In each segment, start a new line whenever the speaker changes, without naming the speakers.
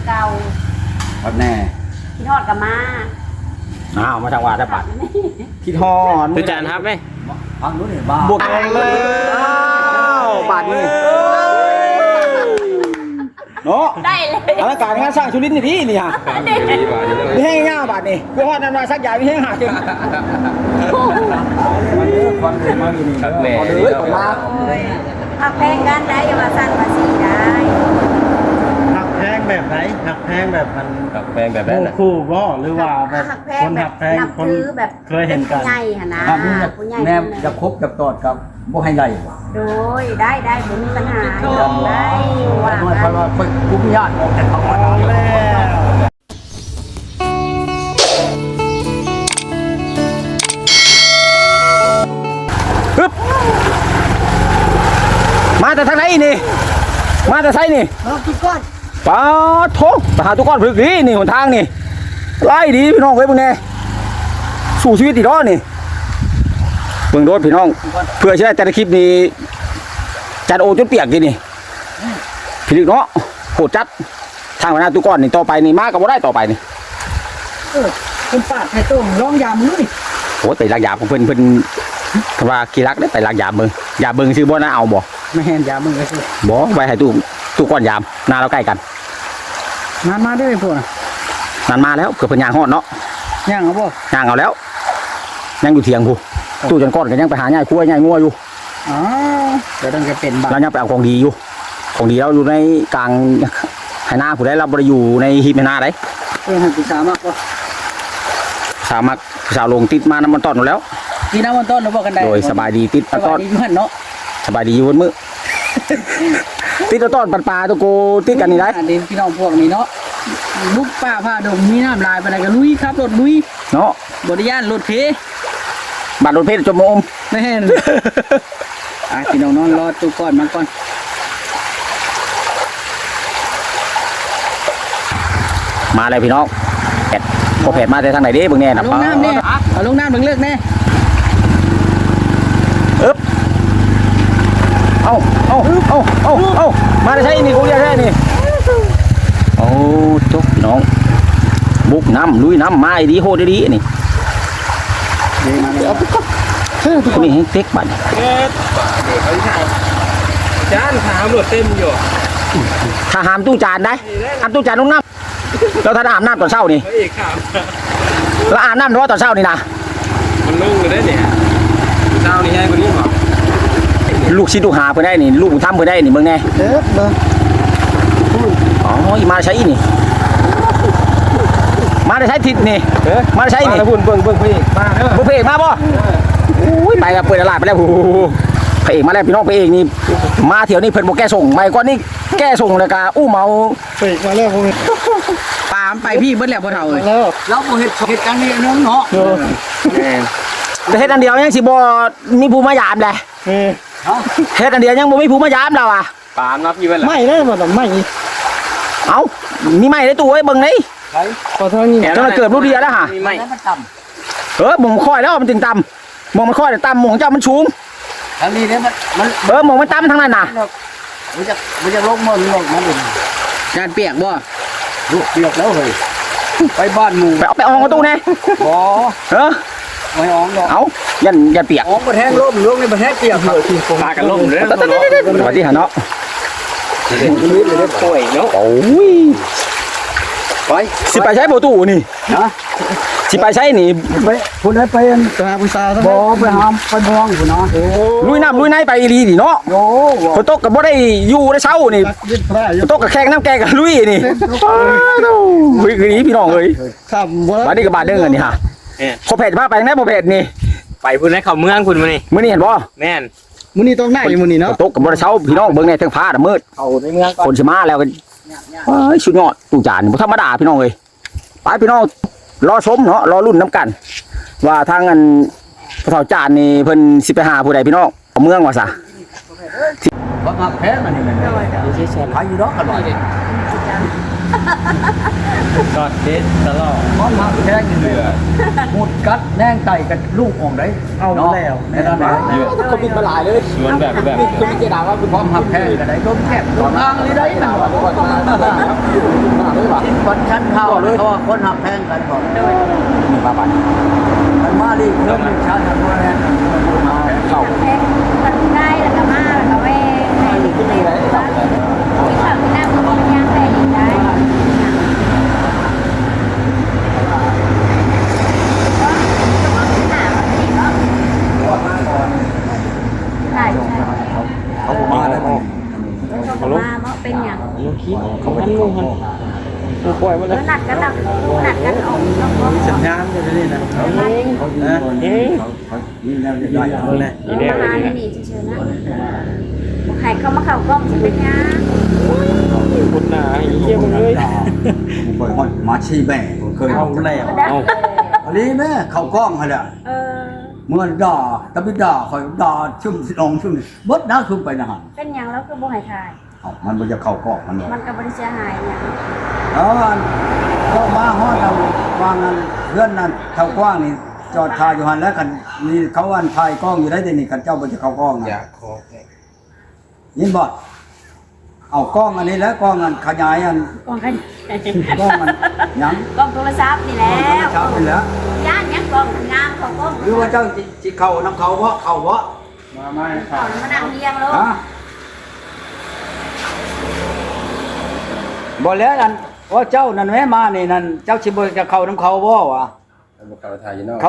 เก่า
วัดแน่
พี่ทอดกับมา
อ้าวมาทางวัดได้ปัดคิดฮอน
ตุจานครับไหม
ฟังรู้นี่บ้า
บวกเลยอ้าวบาทนี่
เนาะ
ได้เลย
อลังการงานสร้างชุลินนี่นี่ฮะมีแห้งง่าบาทนี่กูฮอดน้ำลายสักอย่างมีแห้งหากินมันเลือกความเห็นมาอยู่นี่เด้อเลยออกมา
ผักแพงกันได้อย่ามาสั่งภาษีได้
หักแพงแบบไหนหักแพงแบบมัน
กับแพงแบบนั้น
คู่บ่หรือว่าแบบ
ผักแพ
ค
ง
น
แบ
หั
บ
กแพง
นับ
คน
ถือแบบ
เคยเห็นกัน
ผู้ใหญ่หนนะ
ถ้ามี
ผู้ใหญ่
แนมจะครบจะตอดกับบ่ให้ไร
โดยได้ผมมีปัญหาได้ว่า
เพราะว่าคุ้มญาติออกจากเขามา
แล้ว
ปึ๊บมาแต่ทางไหนนี่มาแต่ไสนี่
เราคิดก่อน
ปาโถไปหาทุกคนฝึกดีนี่หนทางนี่ไล่ดีพี่น้องเว้ยมึงแน่สู้ชีวิตอีกรอนี่เบิ่งรถพี่น้องเพื่อใช้แต่ละคลิปนี้จัดโอจนเปียกกินนี่พี่ลึกเนาะโหดจัดทางหัวหน้าทุกคนนี่ต่อไปนี่มาก็บ่ได้ต่อไปนี่
คุณปาดไข่ต้มร้องยามเลย
โหแต่ลักยาของเพิ่นคำว่ากี่รักได้แต่ลักยาเบิ่งยาเบิ่งซื้อบ่น่าเอาบ่
ไม่เห็นยามมึงเลยสิ
บ่ไว้ให้ตู้ก้อนยามหน้าเราใกล้กัน
นานมาได้พวกน่ะ
นั่นมาแล้วเผื่อเพิ่นย่างฮอดเนาะ
ย่างเอาบ่
ย่างเอาแล้วยังอยู่เถียงผู้ตู้จนก้อนก็ยังไปหาย่ายกล้วยย่ายงัวอยู่
อ๋อเดี๋ยวต้องจะเป็นบา
เรายังไปเอาของดีอยู่ของดีเราอยู่ในกลางไหนาผู้ใดเราบ่ได้อยู่ในหีบไหนาได้
ให้ปีศาจมากกว่า
สามารถสาวลงติดมาน้ำมันต้อนอยู่แล้ว
กินน้ำมันต้นหรือบ่กันได้
โดยสบายดีติด
ส
ต้
บา
อย น
ดีเพื่อนเนาะ
สบายดีอยู่บนมือ ติดต้นปันปลาตัวโกติดกันนี่ได้
อันนี้พี่น้องพวกนี้เนาะลูกป้าผ้าดงมีน้ำลายไปไหนก็ลุยครับรถลุย
เนาะ
บริยานรถเพ
บัตรรถเพชรจมโอม
ไม่เห็นพี่น้องนอนรอตู้ก่อนมาก่อน
มาเลยพี่น้องแผดพอแผดมาแต่ทางไหนเด้เบิ่งแน่นะ
ลงน้ำเนี่ยเอาลงน้ำเบิ่งเลือกแน่
อึ๊บเอามาได้ใช่นี่กูอยากได้นี่โอ้ทุกพี่น้องบุกน้ำลุยน้ำมาดีโหดดีนี่คนนี้ให้เต็กบัตร
จานขาวหลดเต็มอยู่
ถ้าหามตู้จานได้หามตู้จานลงน้ำเราถ้าอาบน้ำตอนเช้านี่
เอกขาว
เราอาบน้ำหรือว่าตอนเช้านี่นะ
มันนุ่งเลยเนี่ยเช้านี่แห้งกว่านี้หรอ
ลูกชิดลูกหาเพื่อได้นี่ลูกทำเพื่อได้นี่เบิ่งแน่
เด้อเบิ่ง
อ๋อมาใช้นี่มาได้ใช้ทิศนี่มาได้ใช้นี่
มาหุ่นเบิ่งพี่มาเด้อ
บุพเพเอกมาบ่อุ้ยไปกับเปิดตลาดไปแล้วโอ้โหพระเอกมาแล้วพี่น้องพระเอกนี่มาเที่ยวนี่เพิ่นบ่แก้ส่งไม่ก่อนนี่แก้ส่งเลยกะอู้เมา
เฟกมาแล้วพวกนี้
ปามไปพี่เบิ้ลแล้วพ่อเฒ่าเลย
แล้ว
เราบ่เฮ็ดกันนี่น้องเนาะแต่เฮ็ดอันเดียวยังสิบ่มีผู้มายามแหละ
เฮ้ย
เฮ็ดอันเดียวยังบ่มีผู้มายามแล้วอ่ะ
ปามนับยี่วันละ
ไม่ได้มาแต่ไม่
เอ้ามีไม้ในตู้ไว้เบิ่งนี่
พอเท่านี้
จนมันเกิดรู้เดียวแล้วฮะ
มีไหม
หมองค่อยแล้วมันถึงต่ำหมองมันค่อยแต่ต่ำหมองเจ้ามันสูงทางนี้เนี่ยมันหมองมันต่ำทางนั้นน่ะ มันจะลงมันลงมัน
จานเปียกบ่
ลูกเปียกแล้วเฮ้ยไปบ้านหมู่ไปอองประตูแน่บ่ไม่อองดอกเอายันเปียกอองประแทงล่มล่วงในประแทงเปียกเลยที่
ปลากันล่มเลย
สวัสดีฮะเนาะ
ป่วยเนาะ
โอ้ยไปสิไปใช้ประตูนี่นะสิไปใช้นี่
ไปคุณได้ไปตาผู้สาวบ่ไปหามไปมองคุณเนาะโอ้
ลุยน้ำลุยในไปอีรีนี่เนาะ
โห
ฝนตกกับบ่ได้อยู่ได้เช้านี่
ยึดพระอ
ฝ
ยู่
นตกกับแข่งน้ำแกงกับลุยนี่วิ่งหนีพี่น้องเอ้ย
ข้ามบ่
บาดนี้กับบาดเด้งนี่ฮะพอเพจพาไปไหนพอเพจนี่
ไปพุ่นให้เขาเมืองคุณมานี่
มื้อนี้เห็นบ่
แม่น
มื้อนี้ต้องได้มื้อนี้
ฝ
เนาะ
นตกกับบ่ได้เช้าพี่น้องเบิ่งในทางฟ้าน่ะมืด
เขาในเมืองก่อน
คนสิมาแล้วก็เฮ้ยสุดยอดตู้จานบ่ธรรมดาพี่น้องเอ้ยไปพี่น้องรอชมเนาะรอรุ่นน้ำกัน ว่าทางอันพระเฒ่าจานนี่เพิ่นสิไปหาผู้ใดพี่น้องเอาเมืองว่าซะบ่มาแพ้มันนี่แม่นขายอยู่ดอกอร่อย
กอดเด็ดตลอด
บ่มาแพ้กินเรือหมดกัดแนงไตกับลูกออกได้
เอาแล้ว
ในนั้นเขาบินมาหลายเลย
สวนแบบ
คือมีเจดาว่าคือความหักแพ้กันได้ต้มแคบต้มอ่างเลยได้นะว่า
คนชั้นเท่าเขาว่าคนหักแพงกันก่อน
โดย
มีมาบัด
มันมาดิเรื่องหนึ่งชั้นหักแพงกันมาเข้า
แพงมันได้แล้วก็มาแล้วก็แม่ให้ที่ไหนที่ข่าวที่หน้ามันเป็นยางแพงอีกได้ใช่ใช่
เขาบอกมาได้ไหม
เขามาเนาะเป็นอย่าง
เขาไม่ได้ลงมันกูปล่อยมันเลย
หนักกันออกแล้วก็
สัญญาณอยู่นี่นะเขานะนี่แล้วได้แล้วแหละ
มาหานี่เฉยๆนะใครเข้ามาเข้ากล้องจะเป็นยัง
คนหนาเยี่ยมเลย
ผมเคยฮอดมาชีแม่เคยเอาแล้ว
เอา
อันนี้แม่เข้ากล้องให้แหละ เมื่อด่าตะบิด่าคอยด่าชุ่มลงชุ่มบดน้าชุ่มไปนะฮะ
เป็นอย่างแล้วคือบ่ให้ทาย
มันมันจะเข้ากล้องมันเลย
มันก็บ่ได้เสียหายอย่าง
ก็มาฮอดเราวางนั้นเพื่อนนั้นเข้ากว้างนี่จอดทายอยู่หันแล้วกันนี่เขาวันทายกล้องอยู่ได้แต่นี่กันเจ้าบ่จะเข้ากล้องนะ
อยากขอ
ยินบ่เอากล้องอันนี้แล้วกล้องอันขยายอัน
กล้องกัน
กล้องมันยัง
กล้องโทรศัพท์นี่แหล้ว
เช้าไปแล้ว
ย่านยังกล้องงามเขากล้อง
หรือว่าเจ้าจิเข้าน้ำเขาบ่เข้าบ่
มาไม่
เขามานั่งเรียงแล้ว
ฮะบ่แล้วนั่นว่าเจ้านั่นแม่มานี่นั่นเจ้าสิบ่จะเข้าน้ำเขาบ่วะ
เขาถ่ายอยู่นอก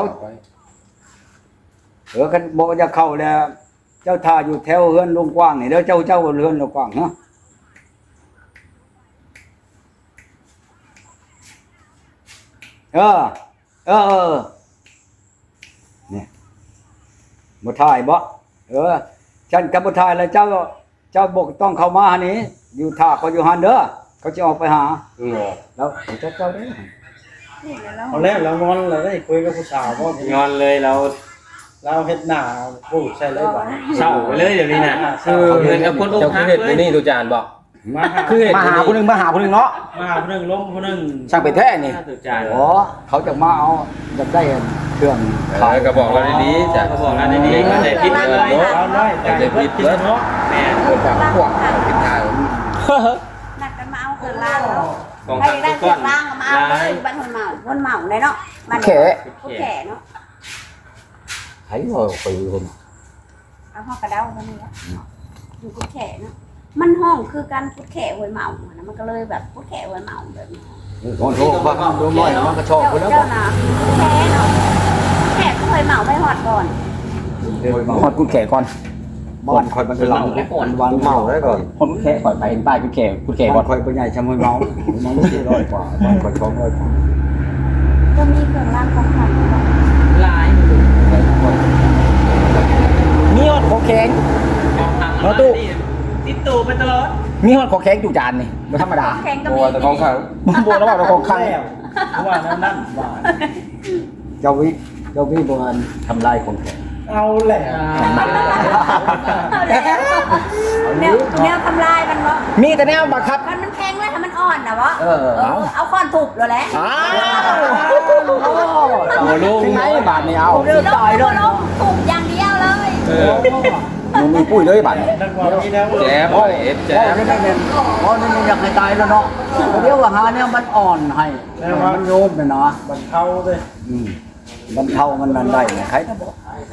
กันบอกจะเข้าแล้ว เจ้าท่าอยู่แถวเฮือนลุงกว้างนี่เด้อเจ้าเฮือนลุงกว้างเนาะเนี่ยบ่ถ่ายบ่ฉันกับบ่ถ่ายแล้วเจ้าบอกต้องเข้ามาหานี้อยู่ท่าเขาอยู่หันเด้อเขาจะออกไปหาแล้วเจ้าได้
เอาแล้วเรางอนเราได้คุยกับผู้สาวว่าง
อนเลยเรา
เราเฮ็ดหน้าพูดใช่เลยบ่
เศร้าไปเลยเดี๋ยวนี้นะคือเงินกับคนอกหักเลยนี่ดูจานบอก
มาหา
คือมาหาผู้หนึงเนาะ
มาคนนึงล้มคนนึง
ช่างเป็นแท้นี่
ดูจาน
อ๋อเขาจะมาเอาจะได้เครื่อง
ก็บอกเราดีๆจ้ะก็บอกเราดีๆก็ได้พิษเลย
เราได้แต่พิษเนาะ
แม่เกิดจากพวกพิษทาง
นักกันมาเอาเครื่องล่างแล้วใครได้เครื่องล่างก็มาเอาเลยบ้านคนเมาเลยเนาะบ้านผู้แก่เนาะ
thấy rồi phải hồn
เอาห้องกระเด้าเท่านี้อยู่ผู้แก่เนาะมันห้องคือการผู้แก่หวยเมานะมันก็เลยแบบผู้แก่หวยเมาแบบนี้
con thô con đôi môi nó có cho cái đó
เจ้าน่ะแก่เนาะแก่ก็เคยเมาไม่หอดก่อน
hồn cút khẻ con
bọn khỏi bằng cái lòng bọn màu đấy rồi
hồn cút khẻ khỏi phải bài cút khẻ
bọn
con
khỏi bên này chăm hơi máu nó chỉ rồi quả bọn khỏi có hơi
ก็มีเครื่องรางของขลัง
ลาย
มีฮอดขอแข็ง
มาตู้ติดตู้ไปตลอด
มีฮอดขอแข็งอยู่จานนี่บ่ธรรมดา
แข่งก็
บั
มี
วแต่ของเขา
บ่แล้วว่าเราของข้าง
เพราะว่านั่นว่า
cháu vi bọn thầm lai con khỏe
เอาแหละ
แนวทำลายมันวะ
มีแต่แนวบังคับ
มันแข็งแล้วถ้ามันอ่อนนะวะ
เอา
เอาค้อนถูกเลยแหละ
อ้าวถึงไหนบาทนี่เอา
เรื่องต่อยด้วยถูกอย่างเดียวเลย
มึงมีปุ้ยเลยบาทนี่
นักว่ามีแล้ว
แจ๊บเอฟแจ๊บ
นี่ไม่เป็นนี่อยากให้ตายแล้วเนาะเดี๋ยวว่าหาเนี่ยมันอ่อนให้มันโยมเลยเนาะ
บันเทาเลย
มันเท่ามันนั่นได้ใครจะบอก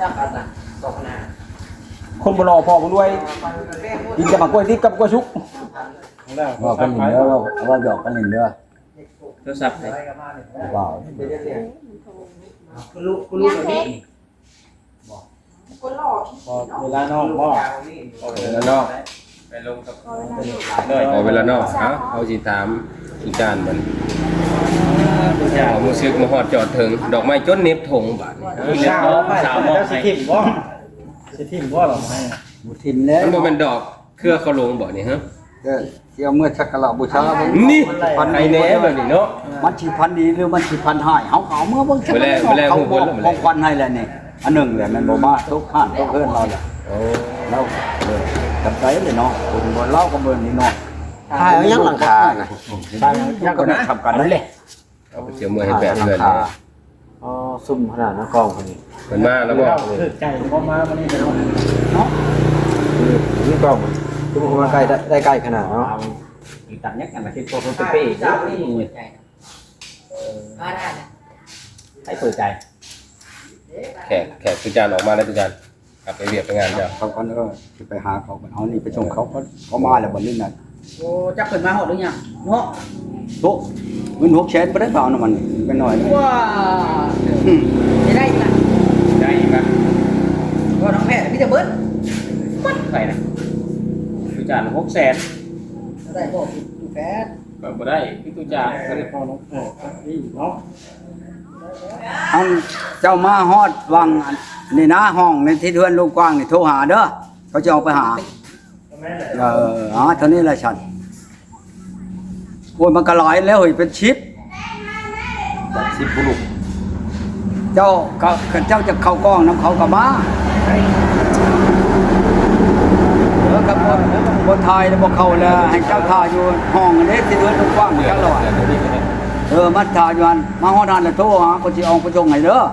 คนบ่รอพอบ่รวยกินกับมะกล้วยทิพย์กับกล้วยชุก
แล้ว
ว่ากันหนึ่งเด้อว่าหยอกกันหนึ่งเด้อ
โทรศัพท์
ว่า
คุณลูกแบบนี้เวลานอกบ่
เวลานอกไปลงกับพอเวลานอกเอาสิถามดูจานมันเอามือซึกมาหอดจอดถึงดอกไม้จนเน็บถงบาท
สาวมองสิทิมบ่สิทิมบ่หรอให้
บุทิมแล้ว
มันบ่เป็นดอกเครือเขาลงบ่นี่ฮะ
เที่ยวเมื่อชักกะลาบูชา
นี่ไอ้แหน่แบบนี้เนาะ
มันชีพันดีหรือมันชีพันหายเขาเมื่อเบิ่งชักเขาของควันให้แล้วนี่อันหนึ่งแหละมันบ่มาทุกข้านทุกเพื่อนเราแหละ
โอ้
เราจำใจเลยเนาะคุณบ่เล่ากับเบิ่นนี่เนาะ
ถ่ายเอายังหลังคาน่ะ
ได้ยังก็ทำกันนั่นแหละ
เอาไปเจียวมือให้แบบเพื่อน
อ๋อซุ่มขนาดนั้นกองคนนี้
เพิ่นมาแล้วบ่
คือใจบ่มาวันนี้เนาะ
เนาะ
นี่กองคือมันใกล้ได้ใกล้ขนาดเนาะ
ตัดยักกันมาที่ตัวเป๊ะๆ
สาวนี่เปิดใจนะได้นะ
ให้เปิดใจ
แขกตุจานออกมาแล้วตุจานกลับไปเรียบไปงานเจ้า
เขาก็จะไปหาเขาเอานี่ไปส่งเขามาแล้วบ่ลิ้นน่ะ
โอ้จักเปิดมาหอดหรือยังเนาะ
ทุกเงิน6แสนบ่ได้เปล่าน้ำมันเป็นน้อย
ว้าจะได้อีกละ
ได้อีกมั้ย
ก็น้องแพทย์พี่จะเบิด
ใครนะตุจาน600,000
ได้บอกดูแพทย์
บ่ได้พี่ตุจานก็ได้พอน้องนี่เนาะ
อันเจ้ามาฮอดวังอันนี่นะห้องในที่เทือนลูกกว้างนี่โทรหาเด้อเขาจะเอาไปหาเท่านี้แหละฉันโอ้ยมันก็หลายแล้วเฮ้ยเป็นชิป
10บุรุษ
เจ้าจะเข้ากล้องน้ำเขากับมากับบนไทยแล้วบอกเขาแล้วให้เจ้าท่าอยู่ห้องอันนี้ที่เทือนลูกกว้างนี่กันหรอมัดท่าอยู่อันมาฮอดนั่นแล้วโทรหาคนสิเอาไปส่งให้เด้อ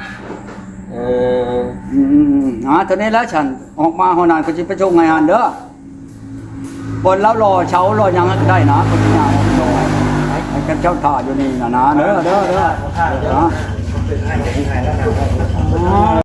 เท่านี้แล้วฉันออกมาฮอดนั่นคนสิไปส่งให้หันเด้อบนแล้วรอเช้ารอยังได้นะคนที่งานให้กันเจ้าท่าอยู่นี่นะเด้อ